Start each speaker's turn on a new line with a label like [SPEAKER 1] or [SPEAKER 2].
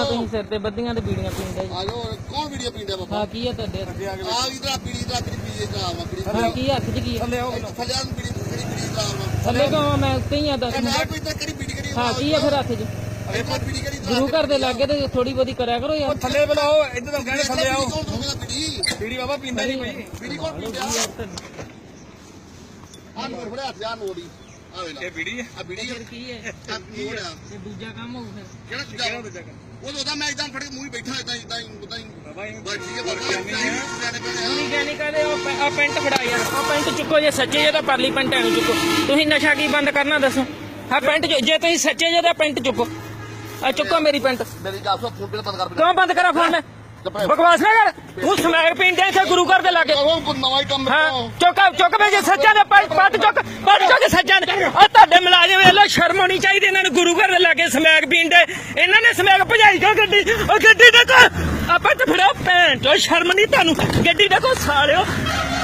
[SPEAKER 1] ਤੁਸੀਂ ਸਿਰ ਤੇ ਬੱਦੀਆਂ ਤੇ ਬੀੜੀਆਂ ਪੀਂਦੇ ਜੀ।
[SPEAKER 2] ਆਜੋ ਕੌਣ ਵੀਡੀਓ ਪੀਂਦਾ ਬਾਬਾ
[SPEAKER 1] ਹਾਂ ਕੀ ਹੈ ਤੁਹਾਡੇ ਹੱਥ?
[SPEAKER 2] ਆ ਇਧਰ ਬੀੜੀ ਦਾ ਕਿਹੜੀ ਪੀਏ ਕਰਾਵਾ ਬੀੜੀ
[SPEAKER 1] ਹਾਂ ਕੀ ਹੱਥ 'ਚ ਕੀ ਹੈ?
[SPEAKER 2] ਥੱਲੇ ਨੂੰ ਬੀੜੀ ਕਿਹੜੀ ਬੀੜੀ ਕਰਾਵਾ
[SPEAKER 1] ਥੱਲੇ ਕਿਉਂ ਮੈਂ ਉੱਤੇ ਹੀ ਆ ਦੱਸ।
[SPEAKER 2] ਮੈਂ ਕੋਈ ਤਾਂ ਕਿਹੜੀ ਬੀੜੀ ਕਿਹੜੀ
[SPEAKER 1] ਹਾਂ ਕੀ ਹੈ ਫਿਰ ਹੱਥ 'ਚ?
[SPEAKER 2] ਇੱਕ ਬੀੜੀ ਕਿਹੜੀ
[SPEAKER 1] ਗੁਰੂ ਘਰ ਦੇ ਲਾਗੇ ਤੇ ਥੋੜੀ ਬਹੁਤੀ ਕਰਿਆ ਕਰੋ ਯਾਰ।
[SPEAKER 3] ਥੱਲੇ ਬੁਲਾਓ ਇੱਧਰ ਤਾਂ ਕਹਿੰਦੇ ਥੱਲੇ ਆਓ
[SPEAKER 2] ਕੌਣ ਰੋਕਦਾ ਬੀੜੀ
[SPEAKER 3] ਬੀੜੀ ਬਾਬਾ ਪੀਂਦਾ ਨਹੀਂ ਕੋਈ
[SPEAKER 2] ਬੀੜੀ ਕੌਣ ਪੀਂਦਾ ਆ ਨੋਟ ਫੜਿਆ ਹੱਥ ਆ ਨੋੜੀ ਆ ਵੇਲਾ
[SPEAKER 3] ਇਹ ਬੀੜੀ ਹੈ
[SPEAKER 2] ਆ ਬੀੜੀ
[SPEAKER 1] ਫਿਰ ਕੀ ਹੈ?
[SPEAKER 2] ਆ ਨੋੜ ਆ
[SPEAKER 1] ਇਹ ਦੂਜਾ ਕੰਮ ਹੋਊ ਫਿਰ।
[SPEAKER 2] ਕਿਹੜਾ ਦੂਜਾ ਉਹ ਉਹਦਾ ਮੈਂ ਇਦਾਂ ਫੜ ਕੇ ਮੂੰਹ ਹੀ ਬੈਠਾ ਇਦਾਂ
[SPEAKER 3] ਬਾਬਾ ਇਹ
[SPEAKER 2] ਬਸ ਠੀਕ ਹੈ ਬਾਬਾ
[SPEAKER 1] ਤੁਸੀਂ ਕਹਿ ਨਹੀਂ ਕਹਦੇ ਉਹ ਪੈਂਟ ਫੜਾ ਯਾਰ। ਉਹ ਪੈਂਟ ਚੁੱਕੋ ਜੇ ਸੱਚੇ ਜੇ ਤਾਂ ਪਰਲੀ ਪੈਂਟ ਐਨੂੰ ਚੁੱਕੋ। ਤੁਸੀਂ ਨਸ਼ਾ ਕੀ ਬੰਦ ਕਰਨਾ ਦੱਸੋ? ਹਾਂ ਪੈਂਟ ਜੇ ਤੁਸੀਂ ਸੱਚੇ ਜੇ ਤਾਂ ਪੈਂਟ ਚੁੱਕੋ। ਆ ਚੁੱਕੋ ਮੇਰੀ ਪੈਂਟ।
[SPEAKER 2] ਮੇਰੀ ਗੱਲ ਸੁਣ ਫੋਨ ਬੰਦ ਕਰ
[SPEAKER 1] ਕਿਉਂ ਬੰਦ ਕਰਾਂ ਫੋਨ ਮੈਂ? ਬਕਵਾਸ ਨਾ ਕਰ। ਤੂੰ ਸਮੈਕ ਪੀਂਦੇ ਇੱਥੇ ਗੁਰੂ ਘਰ ਦੇ ਲਾਗੇ।
[SPEAKER 2] ਕੋਈ ਨਵਾਂ ਹੀ ਕੰਮ
[SPEAKER 1] ਹਾਂ ਚੁੱਕ ਵੇ ਜੇ ਸੱਚਾ ਦੇ ਪੱਟ ਚੁੱਕ ਸੱਚਾ ਦੇ। ਆ ਤੁਹਾਡੇ ਮੁਲਾਜ਼ਮ ਵੇਖ ਲੋ ਸ਼ਰਮ ਹੋਣੀ ਚਾਹੀਦੀ ਇਹਨਾਂ ਨੂੰ। ਗੁਰੂ ਘਰ ਦੇ ਲਾਗੇ ਸਮੈਕ ਪੀਂਦੇ ਇਹਨਾਂ ਨੇ ਸਮੈਕ ਭਜਾਈ ਕਿਉਂ ਗੱਡੀ? ਉਹ ਗੱਡੀ ਦੇਖੋ ਆਪਾਂ ਤੇ ਫੜੋ ਭੈਣ ਚੋ ਸ਼ਰਮ ਨਹੀਂ ਤੁਹਾਨੂੰ। ਗੱਡੀ ਦੇਖੋ ਸਾਲਿਓ।